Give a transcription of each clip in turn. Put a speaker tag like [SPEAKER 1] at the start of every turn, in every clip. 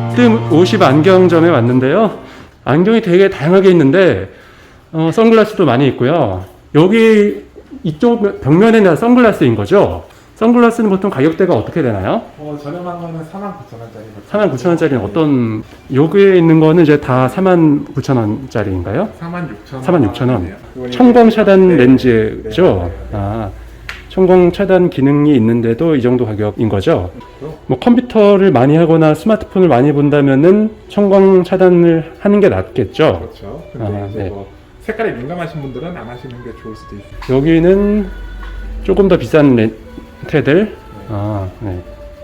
[SPEAKER 1] 뜸 50 안경점에 왔는데요. 안경이 되게 다양하게 있는데 선글라스도 많이 있고요. 여기 이쪽 벽면에는 선글라스인 거죠? 선글라스는 보통 가격대가 어떻게 되나요?
[SPEAKER 2] 저렴한 거는 49,000원짜리.
[SPEAKER 1] 49,000원짜리는 어떤, 여기에 있는 거는 이제 다 49,000원짜리인가요?
[SPEAKER 2] 46,000원.
[SPEAKER 1] 46,000원. 청광 차단
[SPEAKER 2] 네.
[SPEAKER 1] 렌즈죠?
[SPEAKER 2] 네.
[SPEAKER 1] 아, 청광 차단 기능이 있는데도 이 정도 가격인 거죠?
[SPEAKER 2] 그렇죠.
[SPEAKER 1] 뭐 컴퓨터를 많이 하거나 스마트폰을 많이 본다면은 청광 차단을 하는 게 낫겠죠?
[SPEAKER 2] 그렇죠. 근데 이제
[SPEAKER 1] 네.
[SPEAKER 2] 뭐 색깔에 민감하신 분들은 안 하시는 게 좋을 수도 있어요.
[SPEAKER 1] 여기는 조금 더 비싼 렌트들. 네.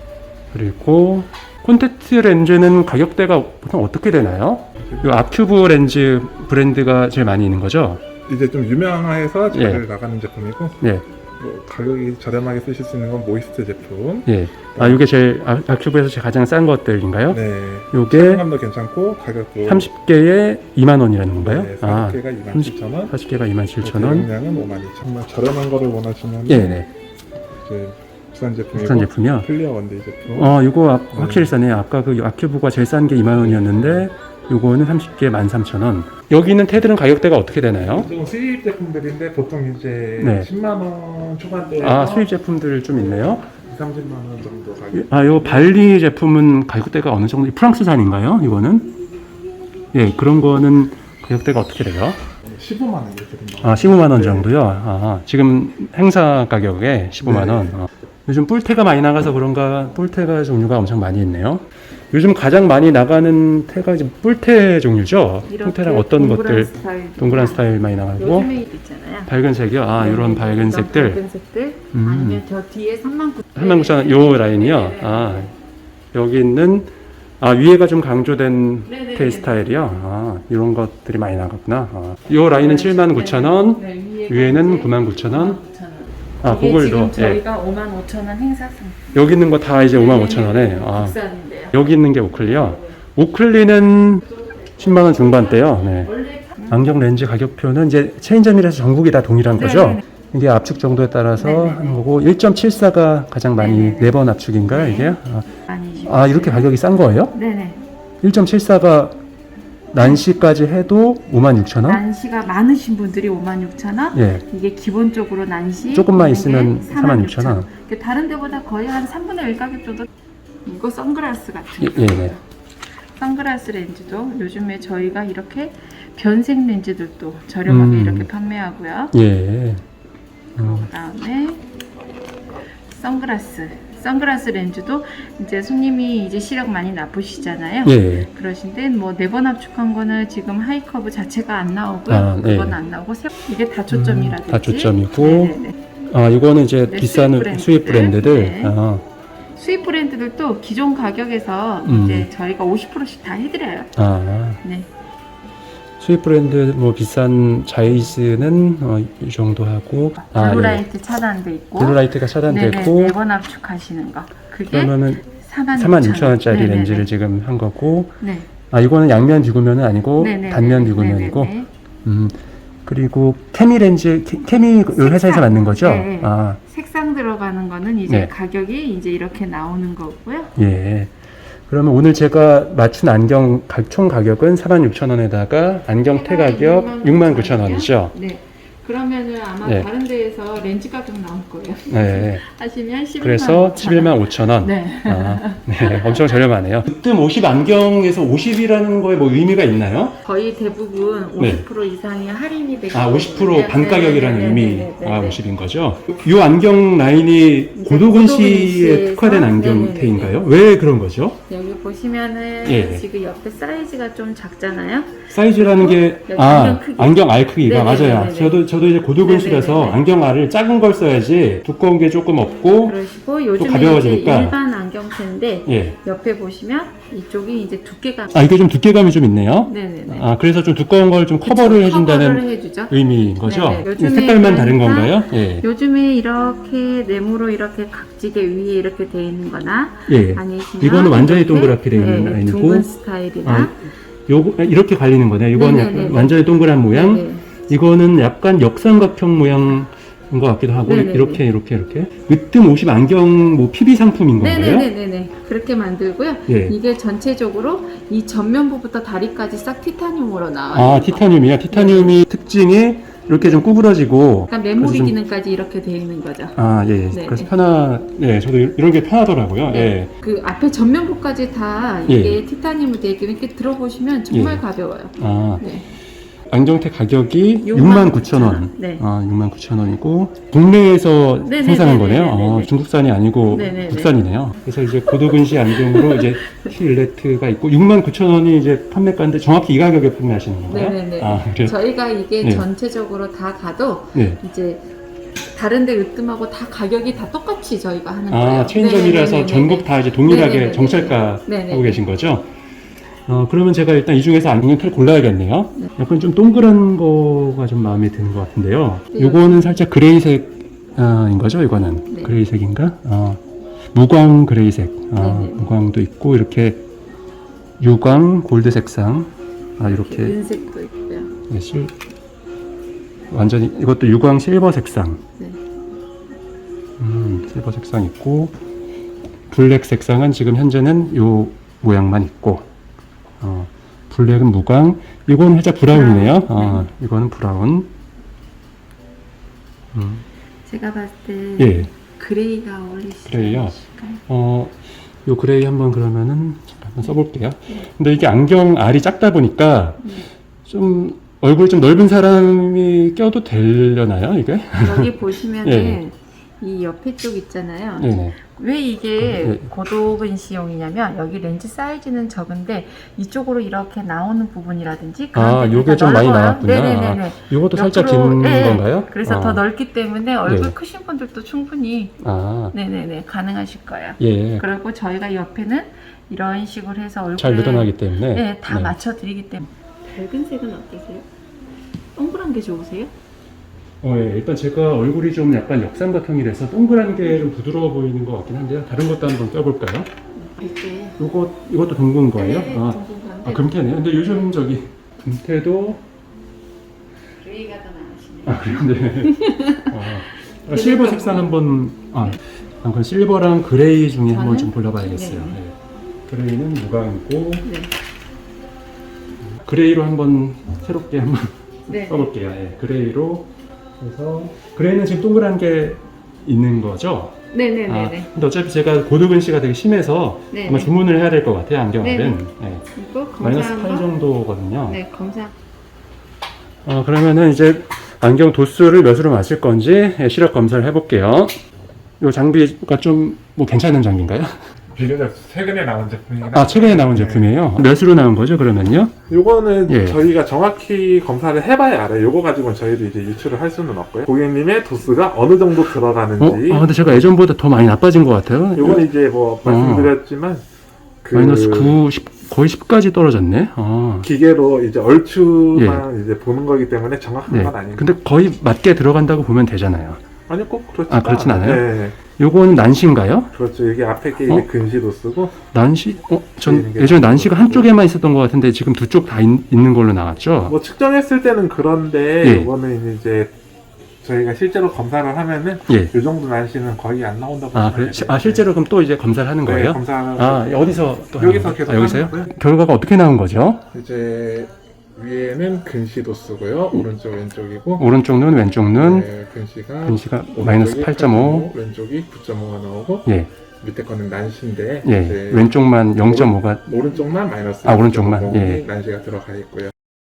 [SPEAKER 1] 그리고 콘택트 렌즈는 가격대가 보통 어떻게 되나요? 이 아큐브 렌즈 브랜드가 제일 많이 있는 거죠?
[SPEAKER 2] 이제 좀 유명해서 잘
[SPEAKER 1] 예.
[SPEAKER 2] 나가는 제품이고,
[SPEAKER 1] 네.
[SPEAKER 2] 뭐 가격이 저렴하게 쓰실 수 있는 건 모이스트 제품.
[SPEAKER 1] 예. 아, 이게 제일 아큐브에서 제일 가장 싼 것들인가요?
[SPEAKER 2] 네.
[SPEAKER 1] 요게
[SPEAKER 2] 사용감도 괜찮고 가격도
[SPEAKER 1] 30개에 2만원이라는 건가요?
[SPEAKER 2] 네, 40개가 27,000원.
[SPEAKER 1] 40개가 27,000원.
[SPEAKER 2] 대용량은 52,000원. 정말 저렴한 거를 원하시면
[SPEAKER 1] 예, 네.
[SPEAKER 2] 이제 국산 제품이고
[SPEAKER 1] 국산 제품이요?
[SPEAKER 2] 클리어 원데이 제품.
[SPEAKER 1] 이거 확실히 싸네요. 아까 그 아큐브가 제일 싼 게 2만원이었는데 요거는 30개에 13,000원. 여기 있는 테들은 가격대가 어떻게 되나요?
[SPEAKER 2] 좀 수입 제품들인데 보통 이제
[SPEAKER 1] 네.
[SPEAKER 2] 10만 원 초반대.
[SPEAKER 1] 수입 제품들 좀 있네요.
[SPEAKER 2] 2, 30만 원 정도 가격.
[SPEAKER 1] 요 발리 제품은 가격대가 어느 정도? 프랑스산인가요? 이거는? 예, 그런 거는 가격대가 어떻게 돼요?
[SPEAKER 2] 15만 원 이렇게 됩니다.
[SPEAKER 1] 15만 원
[SPEAKER 2] 네.
[SPEAKER 1] 정도요? 지금 행사 가격에 15만 원. 요즘 뿔테가 많이 나가서 그런가 뿔테가 종류가 엄청 많이 있네요. 요즘 가장 많이 나가는 테가 이제 뿔테 종류죠? 뿔테랑 어떤 것들? 동그란 스타일 많이 나가고.
[SPEAKER 3] 요즘에 있잖아요.
[SPEAKER 1] 밝은 색이요?
[SPEAKER 3] 네,
[SPEAKER 1] 이런 밝은 색들.
[SPEAKER 3] 밝은 색들. 아니면 저 뒤에 39,000원.
[SPEAKER 1] 39,000원, 요 라인이요?
[SPEAKER 3] 네.
[SPEAKER 1] 여기 있는, 위에가 좀 강조된
[SPEAKER 3] 네네네.
[SPEAKER 1] 테 스타일이요? 이런 것들이 많이 나갔구나. 요 라인은 79,000원,
[SPEAKER 3] 네,
[SPEAKER 1] 위에는 99,000원.
[SPEAKER 3] 9,000원. 이게
[SPEAKER 1] 그걸도,
[SPEAKER 3] 지금 저희가 55,000원 행사 상품.
[SPEAKER 1] 여기 있는 거 다 이제 55,000원에.
[SPEAKER 3] 국산인데요.
[SPEAKER 1] 여기 있는 게 오클리요. 오클리는 10만원 중반대요. 네.
[SPEAKER 3] 원래
[SPEAKER 1] 안경 렌즈 가격표는 이제 체인점이라서 전국이 다 동일한 거죠?
[SPEAKER 3] 네네네.
[SPEAKER 1] 이게 압축 정도에 따라서
[SPEAKER 3] 네네네.
[SPEAKER 1] 하는 거고, 1.74가 가장 많이,
[SPEAKER 3] 네네네.
[SPEAKER 1] 4번 압축인가요,
[SPEAKER 3] 네.
[SPEAKER 1] 이게?
[SPEAKER 3] 아니시죠?
[SPEAKER 1] 이렇게 가격이 싼 거예요?
[SPEAKER 3] 네네.
[SPEAKER 1] 1.74가 난시까지 해도 56,000원?
[SPEAKER 3] 난시가 많으신 분들이 56,000원.
[SPEAKER 1] 예.
[SPEAKER 3] 이게 기본적으로 난시
[SPEAKER 1] 조금만
[SPEAKER 3] 있는
[SPEAKER 1] 있으면
[SPEAKER 3] 게
[SPEAKER 1] 46,000원.
[SPEAKER 3] 다른 데보다 거의 한 3분의 1 가격 정도. 이거 선글라스 같은 거.
[SPEAKER 1] 예.
[SPEAKER 3] 선글라스 렌즈도 요즘에 저희가 이렇게 변색 렌즈들도 저렴하게 이렇게 판매하고요.
[SPEAKER 1] 예.
[SPEAKER 3] 그다음에 선글라스 렌즈도 이제 손님이 이제 시력 많이 나쁘시잖아요.
[SPEAKER 1] 예.
[SPEAKER 3] 그러신데 뭐 4번 압축한 거는 지금 하이커브 자체가 안 나오고요.
[SPEAKER 1] 네.
[SPEAKER 3] 그건 안 나오고 이게 다초점이라든지.
[SPEAKER 1] 다초점이고.
[SPEAKER 3] 네네네.
[SPEAKER 1] 이거는 이제
[SPEAKER 3] 네,
[SPEAKER 1] 비싼 수입 브랜드들.
[SPEAKER 3] 네. 수입 브랜드들도 기존 가격에서 이제 저희가 50%씩 다 해드려요. 네.
[SPEAKER 1] 수입 브랜드 뭐 비싼 자이즈는 이 정도 하고.
[SPEAKER 3] 블루라이트 차단돼 있고.
[SPEAKER 1] 블루라이트가 차단돼 있고.
[SPEAKER 3] 4번 압축하시는 거. 그게
[SPEAKER 1] 그러면은
[SPEAKER 3] 46,000원짜리
[SPEAKER 1] 46,000원짜리 렌즈를 지금 한 거고.
[SPEAKER 3] 네.
[SPEAKER 1] 이거는 양면 비구면은 아니고
[SPEAKER 3] 네네네.
[SPEAKER 1] 단면 비구면이고.
[SPEAKER 3] 네네네.
[SPEAKER 1] 그리고 케미 렌즈, 케미 회사에서 만든 거죠?
[SPEAKER 3] 네. 색상 들어가는 거는 이제
[SPEAKER 1] 네.
[SPEAKER 3] 가격이 이제 이렇게 나오는 거고요.
[SPEAKER 1] 예. 그러면 오늘 제가 맞춘 안경 총 가격은 46,000원에다가 안경테 가격 69,000원이죠?
[SPEAKER 3] 네. 그러면은 아마
[SPEAKER 1] 네.
[SPEAKER 3] 다른 데에서 렌즈 가격 나올 거예요.
[SPEAKER 1] 네.
[SPEAKER 3] 하시면 11만
[SPEAKER 1] 그래서 11만5천원.
[SPEAKER 3] 네.
[SPEAKER 1] 네. 엄청 저렴하네요. 뜸 50 안경에서 50이라는 거에 뭐 의미가 있나요?
[SPEAKER 3] 거의 대부분 50% 이상이 할인이 되고
[SPEAKER 1] 50% 반가격이라는 의미,
[SPEAKER 3] 네네네네.
[SPEAKER 1] 50인 거죠? 이 안경 라인이 고도근 씨에 특화된 안경테인가요? 왜 그런 거죠?
[SPEAKER 3] 여기 보시면은
[SPEAKER 1] 예.
[SPEAKER 3] 지금 옆에 사이즈가 좀 작잖아요.
[SPEAKER 1] 사이즈라는 게,
[SPEAKER 3] 여기 안경 크기.
[SPEAKER 1] 안경 알 크기가
[SPEAKER 3] 네네네네네.
[SPEAKER 1] 맞아요. 저도 이제 고도근시라서
[SPEAKER 3] 네네네네.
[SPEAKER 1] 안경 알을 작은 걸 써야지 두꺼운 게 조금 없고,
[SPEAKER 3] 그러시고 요즘에
[SPEAKER 1] 가벼워지니까.
[SPEAKER 3] 이제 일반 안경테인데
[SPEAKER 1] 예.
[SPEAKER 3] 옆에 보시면 이쪽이 이제 두께가
[SPEAKER 1] 이게 좀 두께감이 좀 있네요.
[SPEAKER 3] 네네네.
[SPEAKER 1] 그래서 좀 두꺼운 걸 좀 커버를 해준다는
[SPEAKER 3] 해주죠.
[SPEAKER 1] 의미인 거죠?
[SPEAKER 3] 네네. 요즘에
[SPEAKER 1] 색깔만 다른
[SPEAKER 3] 그러니까
[SPEAKER 1] 건가요? 예.
[SPEAKER 3] 요즘에 이렇게 네모로 이렇게 각지게 위에 이렇게 돼 있는 거나
[SPEAKER 1] 예.
[SPEAKER 3] 아니시면
[SPEAKER 1] 이거는 완전히
[SPEAKER 3] 이렇게,
[SPEAKER 1] 동그랗게 돼 있는 라인이고,
[SPEAKER 3] 둥근 스타일이나
[SPEAKER 1] 요거 이렇게 갈리는 거네요. 이거는
[SPEAKER 3] 네네네네.
[SPEAKER 1] 약간 완전히 동그란 모양.
[SPEAKER 3] 네네.
[SPEAKER 1] 이거는 약간 역삼각형 모양 것 같기도 하고
[SPEAKER 3] 네네네.
[SPEAKER 1] 이렇게 으뜸 50 안경 뭐 PB 상품인 건가요?
[SPEAKER 3] 네네네네. 그렇게 만들고요.
[SPEAKER 1] 예.
[SPEAKER 3] 이게 전체적으로 이 전면부부터 다리까지 싹 티타늄으로 나와요.
[SPEAKER 1] 아, 티타늄이요. 티타늄이 특징이 이렇게 좀 구부러지고
[SPEAKER 3] 그러니까 메모리
[SPEAKER 1] 그래서 좀-
[SPEAKER 3] 기능까지 이렇게 되어 있는 거죠.
[SPEAKER 1] 아, 예.
[SPEAKER 3] 네.
[SPEAKER 1] 그래서 예, 저도 이런 게 편하더라고요.
[SPEAKER 3] 네.
[SPEAKER 1] 예.
[SPEAKER 3] 그 앞에 전면부까지 다
[SPEAKER 1] 예.
[SPEAKER 3] 이게 티타늄으로 되어 있고 이렇게 들어보시면 정말
[SPEAKER 1] 예.
[SPEAKER 3] 가벼워요.
[SPEAKER 1] 아,
[SPEAKER 3] 네.
[SPEAKER 1] 안경테 가격이
[SPEAKER 3] 69,000원.
[SPEAKER 1] 69,000원.
[SPEAKER 3] 네.
[SPEAKER 1] 아, 69,000원이고 국내에서
[SPEAKER 3] 네네네네네네.
[SPEAKER 1] 생산한 거네요. 아, 중국산이 아니고
[SPEAKER 3] 네네네.
[SPEAKER 1] 국산이네요. 그래서 이제 고도근시 안경으로 이제 힐레트가 있고 69,000원이 이제 판매가인데 정확히 이 가격에 판매하시는 건가요?
[SPEAKER 3] 네네네.
[SPEAKER 1] 아, 그래요?
[SPEAKER 3] 저희가 이게
[SPEAKER 1] 네.
[SPEAKER 3] 전체적으로 다 가도
[SPEAKER 1] 네.
[SPEAKER 3] 이제 다른데 으뜸하고 다 가격이 다 똑같이 저희가 하는
[SPEAKER 1] 아,
[SPEAKER 3] 거예요.
[SPEAKER 1] 체인점이라서
[SPEAKER 3] 네네네네네.
[SPEAKER 1] 전국 다 이제 동일하게
[SPEAKER 3] 네네네네네.
[SPEAKER 1] 정찰가
[SPEAKER 3] 네네.
[SPEAKER 1] 하고 계신 거죠? 그러면 제가 일단 이 중에서 안경테를 골라야겠네요.
[SPEAKER 3] 네.
[SPEAKER 1] 약간 좀 동그란 거가 좀 마음에 드는 것 같은데요.
[SPEAKER 3] 네.
[SPEAKER 1] 요거는 살짝 그레이색인 거죠, 이거는?
[SPEAKER 3] 네.
[SPEAKER 1] 그레이색인가? 무광 그레이색.
[SPEAKER 3] 네네.
[SPEAKER 1] 무광도 있고, 이렇게 유광 골드 색상. 이렇게.
[SPEAKER 3] 은색도 있고요.
[SPEAKER 1] 네, 완전히, 이것도 유광 실버 색상.
[SPEAKER 3] 네.
[SPEAKER 1] 실버 색상 있고, 블랙 색상은 지금 현재는 요 모양만 있고, 블랙은 무광, 이건 살짝 브라운이네요. 이거는 브라운.
[SPEAKER 3] 제가 봤을 때
[SPEAKER 1] 예,
[SPEAKER 3] 그레이가 어울리시죠?
[SPEAKER 1] 그레이요. 요 그레이 한번 그러면은 잠깐 한번 써볼게요. 근데 이게 안경 알이 작다 보니까 좀 얼굴이 좀 넓은 사람이 껴도 되려나요, 이게?
[SPEAKER 3] 여기 보시면은
[SPEAKER 1] 예.
[SPEAKER 3] 이 옆에 쪽 있잖아요.
[SPEAKER 1] 네네.
[SPEAKER 3] 왜 이게
[SPEAKER 1] 예.
[SPEAKER 3] 고도근시용이냐면 여기 렌즈 사이즈는 적은데 이쪽으로 이렇게 나오는 부분이라든지
[SPEAKER 1] 요게 좀 많이 나왔군요.
[SPEAKER 3] 네네네.
[SPEAKER 1] 요것도 살짝 긴
[SPEAKER 3] 옆으로, 예.
[SPEAKER 1] 건가요?
[SPEAKER 3] 그래서 더 넓기 때문에 얼굴
[SPEAKER 1] 네.
[SPEAKER 3] 크신 분들도 충분히 네네네 가능하실 거예요.
[SPEAKER 1] 예.
[SPEAKER 3] 그리고 저희가 옆에는 이런 식으로 해서 얼굴에
[SPEAKER 1] 잘 늘어나기 때문에.
[SPEAKER 3] 네, 다 맞춰드리기 때문에. 밝은 색은 어떠세요? 동그란 게 좋으세요?
[SPEAKER 1] 예, 일단 제가 얼굴이 좀 약간 역삼각형이라서 동그란 게 좀 부드러워 보이는 것 같긴 한데요. 다른 것도 한번 껴볼까요?
[SPEAKER 3] 이렇게
[SPEAKER 1] 이것도 둥근 거예요?
[SPEAKER 3] 네, 둥근 건데
[SPEAKER 1] 금태네요. 근데 요즘 저기 금태도
[SPEAKER 3] 그레이가 더 나으시네요.
[SPEAKER 1] 그런데 실버 색상 한번 그 실버랑 그레이 중에 한번 좀 골라봐야겠어요.
[SPEAKER 3] 네.
[SPEAKER 1] 네. 그레이는 무광이고
[SPEAKER 3] 네.
[SPEAKER 1] 그레이로 한번 새롭게 한번
[SPEAKER 3] 네.
[SPEAKER 1] 써볼게요. 예, 그레이로 해서 그레이는 지금 동그란 게 있는 거죠?
[SPEAKER 3] 네네네네.
[SPEAKER 1] 근데 어차피 제가 고도근시가 되게 심해서
[SPEAKER 3] 네.
[SPEAKER 1] 아마 주문을 해야 될 것 같아요, 안경알은.
[SPEAKER 3] 네네.
[SPEAKER 1] 네.
[SPEAKER 3] 이거
[SPEAKER 1] 마이너스
[SPEAKER 3] 검사한
[SPEAKER 1] 8
[SPEAKER 3] 거?
[SPEAKER 1] 정도거든요.
[SPEAKER 3] 네, 검사.
[SPEAKER 1] 그러면은 이제 안경 도수를 몇으로 맞을 건지 시력 검사를 해볼게요. 이 장비가 좀 뭐 괜찮은 장비인가요?
[SPEAKER 2] 비교적 최근에 나온 제품이긴
[SPEAKER 1] 최근에 나온 제품이에요. 몇으로 나온 거죠, 그러면요?
[SPEAKER 2] 요거는
[SPEAKER 1] 예.
[SPEAKER 2] 저희가 정확히 검사를 해봐야 알아요. 요거 가지고는 저희도 이제 유출을 할 수는 없고요. 고객님의 도수가 어느 정도 들어가는지.
[SPEAKER 1] 근데 제가 예전보다 더 많이 나빠진 것 같아요.
[SPEAKER 2] 요거는 이제 뭐 말씀드렸지만
[SPEAKER 1] 마이너스 9, 10, 거의 10까지 떨어졌네.
[SPEAKER 2] 기계로 이제 얼추만 이제 보는 거기 때문에 정확한
[SPEAKER 1] 네.
[SPEAKER 2] 건 아닙니다.
[SPEAKER 1] 근데 거의 맞게 들어간다고 보면 되잖아요.
[SPEAKER 2] 아니요, 꼭 그렇지
[SPEAKER 1] 그렇진 않아요?
[SPEAKER 2] 네,
[SPEAKER 1] 요거는 난시인가요?
[SPEAKER 2] 그렇죠. 이게 앞에 게 이제 근시 도수고.
[SPEAKER 1] 난시? 전
[SPEAKER 2] 보이는 게
[SPEAKER 1] 예전에
[SPEAKER 2] 나은
[SPEAKER 1] 난시가
[SPEAKER 2] 것 같고.
[SPEAKER 1] 한쪽에만 있었던 것 같은데 지금 두 쪽 다 있는 걸로 나왔죠?
[SPEAKER 2] 뭐 측정했을 때는 그런데
[SPEAKER 1] 예.
[SPEAKER 2] 이거는 이제 저희가 실제로 검사를 하면은
[SPEAKER 1] 예.
[SPEAKER 2] 이 정도 날씨는 거의 안 나온다고 보시면
[SPEAKER 1] 그래?
[SPEAKER 2] 돼요.
[SPEAKER 1] 실제로 그럼 또 이제 검사를 하는 거예요?
[SPEAKER 2] 네, 검사를
[SPEAKER 1] 어디서 또
[SPEAKER 2] 여기서
[SPEAKER 1] 하는
[SPEAKER 2] 계속
[SPEAKER 1] 거예요? 여기서요?
[SPEAKER 2] 하는 거고요.
[SPEAKER 1] 결과가 어떻게 나온 거죠?
[SPEAKER 2] 이제 위에는 근시 도수고요. 오른쪽 왼쪽이고.
[SPEAKER 1] 오른쪽 눈, 왼쪽 눈,
[SPEAKER 2] 네, 근시가
[SPEAKER 1] 근시가 마이너스 8.5,
[SPEAKER 2] 왼쪽이 9.5가 나오고
[SPEAKER 1] 예,
[SPEAKER 2] 밑에 거는 난시인데
[SPEAKER 1] 예,
[SPEAKER 2] 이제
[SPEAKER 1] 왼쪽만 0.5가,
[SPEAKER 2] 오른쪽만 마이너스
[SPEAKER 1] 오른쪽만,
[SPEAKER 2] 9.5이
[SPEAKER 1] 예.
[SPEAKER 2] 난시가 들어가 있고요.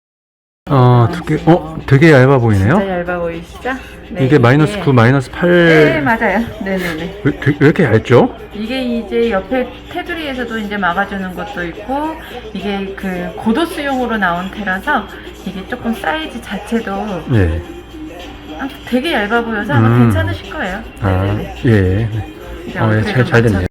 [SPEAKER 1] 되게 얇아 보이네요?
[SPEAKER 3] 진짜 얇아 보이시죠? 네,
[SPEAKER 1] 이게 마이너스 9, 마이너스 8,
[SPEAKER 3] 네, 맞아요. 네네네.
[SPEAKER 1] 왜 이렇게 얇죠?
[SPEAKER 3] 이게 이제 옆에 테두리에서도 이제 막아주는 것도 있고, 이게 그 고도수용으로 나온 테라서 이게 조금 사이즈 자체도
[SPEAKER 1] 예.
[SPEAKER 3] 되게 얇아 보여서 아마 괜찮으실 거예요. 네네네.
[SPEAKER 1] 예.
[SPEAKER 3] 이제
[SPEAKER 1] 잘
[SPEAKER 3] 얼굴에도
[SPEAKER 1] 됐네요.